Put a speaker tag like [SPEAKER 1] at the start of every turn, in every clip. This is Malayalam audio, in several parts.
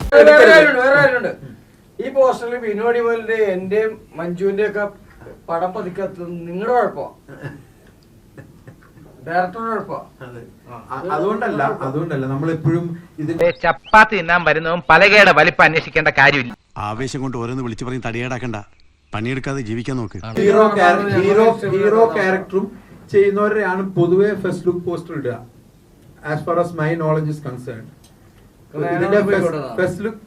[SPEAKER 1] ഈ പോസ്റ്ററിൽ ബിനോടി പോലിന്റെ എന്റെയും മഞ്ജുവിന്റെ ഒക്കെ പടം പതിക്കത്ത് നിങ്ങളുടെ കുഴപ്പമാണ്, ഡയറക്ടറുടെ കുഴപ്പമാണ്.
[SPEAKER 2] അതുകൊണ്ടല്ല നമ്മളെപ്പോഴും
[SPEAKER 3] ഇതിന്റെ ചപ്പാത്തി തിന്നാൻ വരുന്നതും പലകയുടെ വലിപ്പം അന്വേഷിക്കേണ്ട കാര്യമില്ല.
[SPEAKER 4] ആവേശം കൊണ്ട് ഓരോന്ന് വിളിച്ചു പറഞ്ഞ് തടിയേടാക്കണ്ട, പണിയെടുക്കാതെ ജീവിക്കാൻ നോക്ക്.
[SPEAKER 2] ഹീറോ ക്യാരക്ടറും ചെയ്യുന്നവരെയാണ് പൊതുവെ ഫസ്റ്റ് ലുക്ക് പോസ്റ്റർ ഇടുക. As far as my knowledge is concern, ഇതിന്റെ first look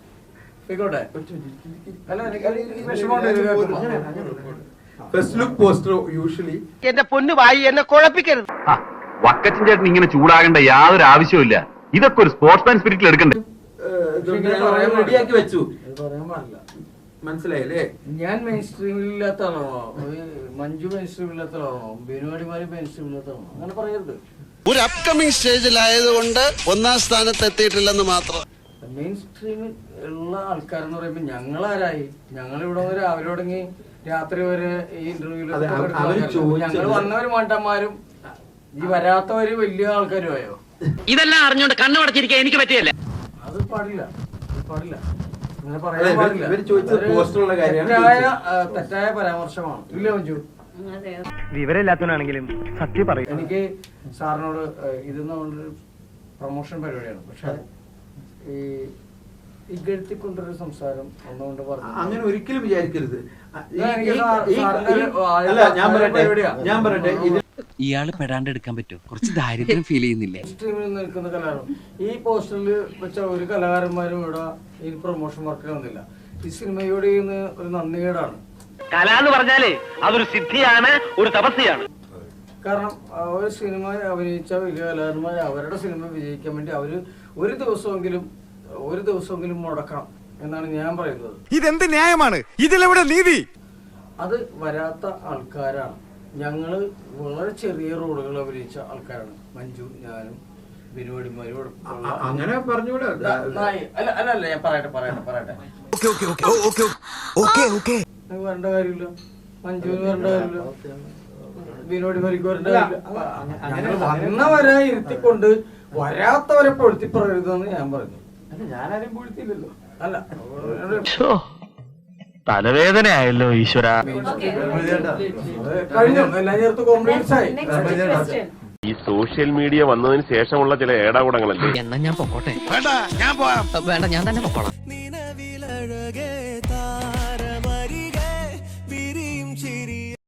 [SPEAKER 2] first look poster usually
[SPEAKER 3] എന്റെ പൊന്നു വായി എന്നെ കുഴപ്പിക്കരുത്.
[SPEAKER 5] വക്കച്ചൻ ചേട്ടൻ ഇങ്ങനെ ചൂടാകേണ്ട യാതൊരു ആവശ്യമില്ല. ഇതൊക്കെ ഒരു സ്പോർട്സ്മാൻ സ്പിരിറ്റിൽ എടുക്കണ്ടേ.
[SPEAKER 2] റെഡിയാക്കി വെച്ചു, മനസ്സിലായില്ലേ?
[SPEAKER 1] ഞാൻ മെയിൻ സ്ട്രീമിലില്ലാത്ത ആളാണോ, മഞ്ജു മെയിൻ സ്ട്രീമില്ലാത്ത ആളാണോ, ബിനുവാടിമാര് മെയിൻ സ്ട്രീമില്ലാത്ത ആളാണോ? അങ്ങനെ പറയരുത്.
[SPEAKER 6] ഒരു അപ്കമിങ് സ്റ്റേജിലായതുകൊണ്ട് ഒന്നാം സ്ഥാനത്ത് എത്തിയിട്ടില്ലെന്ന് മാത്രം.
[SPEAKER 1] മെയിൻ സ്ട്രീമിൽ ഉള്ള ആൾക്കാരെന്ന് പറയുമ്പോ ഞങ്ങളാരായി? ഞങ്ങളിവിടെ വന്ന് രാവിലെ തുടങ്ങി രാത്രി വരെ ഈ ഇന്റർവ്യൂല് ഞങ്ങൾ വന്നവര് മണ്ടന്മാരും ഈ വരാത്തവര് വലിയ ആൾക്കാരുമായോ?
[SPEAKER 3] ഇതെല്ലാം അറിഞ്ഞോണ്ട് കണ്ണു പടച്ചിരിക്കാൻ എനിക്ക് പറ്റിയല്ല.
[SPEAKER 1] അത് പാടില്ല, പാടില്ല, അങ്ങനെ
[SPEAKER 2] പറയാൻ പാടില്ല.
[SPEAKER 1] തെറ്റായ പരാമർശമാണ്. ഇല്ല മഞ്ജു,
[SPEAKER 3] വിവരമില്ലാത്തവനാണെങ്കിലും സത്യം പറയും.
[SPEAKER 1] എനിക്ക് സാറിനോട് ഇത് നമ്മളൊരു പ്രൊമോഷൻ പരിപാടിയാണ്, പക്ഷെ ഈ ഇകഴ്ത്തിക്കൊണ്ടൊരു സംസാരം ഒന്നുകൊണ്ട് പറഞ്ഞു
[SPEAKER 2] അങ്ങനെ ഒരിക്കലും വിചാരിക്കരുത്. ഞാൻ പറയട്ടെ
[SPEAKER 7] ഇയാള് പെടാണ്ട് എടുക്കാൻ പറ്റുമോ? കുറച്ച് ദാരിദ്ര്യം ഫീൽ ചെയ്യുന്നില്ലേ?
[SPEAKER 1] സ്ട്രീമിൽ നിൽക്കുന്ന കലാകാരൻ ഈ പോസ്റ്ററിൽ വെച്ച ഒരു കലാകാരന്മാരും ഇവിടെ ഈ പ്രൊമോഷൻ വർക്കിൽ വന്നില്ല. ഈ സിനിമയോട് ചെയ്യുന്ന ഒരു നന്ദികേടാണ്.
[SPEAKER 3] കല എന്ന് പറഞ്ഞാലേ അതൊരു സിദ്ധിയാണ്, ഒരു തപസ്യാണ്.
[SPEAKER 1] കാരണം ഒരു സിനിമ അഭിനയിച്ച വലിയ കലാകാരന്മാർ അവരുടെ സിനിമ വിജയിക്കാൻ വേണ്ടി അവര് ഒരു ദിവസമെങ്കിലും മുടക്കണം എന്നാണ് ഞാൻ പറയുന്നത്.
[SPEAKER 4] ഇതെന്ത് ന്യായമാണ്? ഇതിലെവിടെ നീതി?
[SPEAKER 1] അത് വരാത്ത ആൾക്കാരാണ്. ഞങ്ങള് വളരെ ചെറിയ റോളുകൾ അഭിനയിച്ച ആൾക്കാരാണ്. മഞ്ജു, ഞാനും ബിനുവാടിമാരും.
[SPEAKER 2] അങ്ങനെ പറഞ്ഞൂടെ?
[SPEAKER 1] അല്ല ഞാൻ പറയട്ടെ വരേണ്ട കാര്യമില്ല, മഞ്ജുവിന് വരേണ്ട കാര്യമില്ല, ബിനുവാടിമാർക്ക് വരേണ്ട കാര്യമില്ല. വന്നവരെ ഇരുത്തിക്കൊണ്ട് വരാത്തവരെ പൊഴുത്തി പറയരുതെന്ന് ഞാൻ പറയുന്നു. ഞാനാരും പൊഴുത്തില്ലല്ലോ. അല്ല,
[SPEAKER 3] തലവേദനയായല്ലോ ഈശ്വര.
[SPEAKER 1] കഴിഞ്ഞു, എല്ലാം ചേർത്ത് കോംപ്ലിമെന്റ്സ് ആയി.
[SPEAKER 5] ഈ സോഷ്യൽ മീഡിയ വന്നതിന് ശേഷമുള്ള ചില ഏടാകൂടങ്ങളല്ലേ.
[SPEAKER 7] എന്നാ ഞാൻ പൊക്കോട്ടെ? വേണ്ട, ഞാൻ തന്നെ പൊക്കോളാം.